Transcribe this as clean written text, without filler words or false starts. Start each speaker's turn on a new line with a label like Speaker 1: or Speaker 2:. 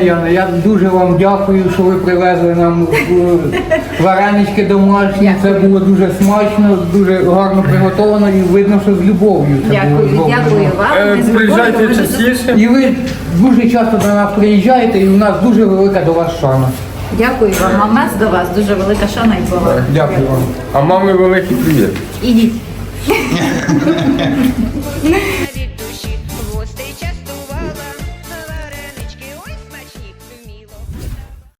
Speaker 1: Яна, я дуже вам дякую, що ви привезли нам варенички домашні. Це було дуже смачно, дуже гарно приготовано і видно, що з любов'ю це було
Speaker 2: Дякую,
Speaker 1: зроблено.
Speaker 2: дякую вам. Ми з любов'ю
Speaker 3: Приїжджайте
Speaker 2: дуже-
Speaker 3: частіше.
Speaker 1: І ви дуже часто до нас приїжджаєте, і у нас дуже велика до вас шана.
Speaker 2: Дякую вам. А в нас до вас дуже велика шана і повага.
Speaker 1: Дякую вам.
Speaker 3: А мамі великий привіт.
Speaker 2: Ідіть.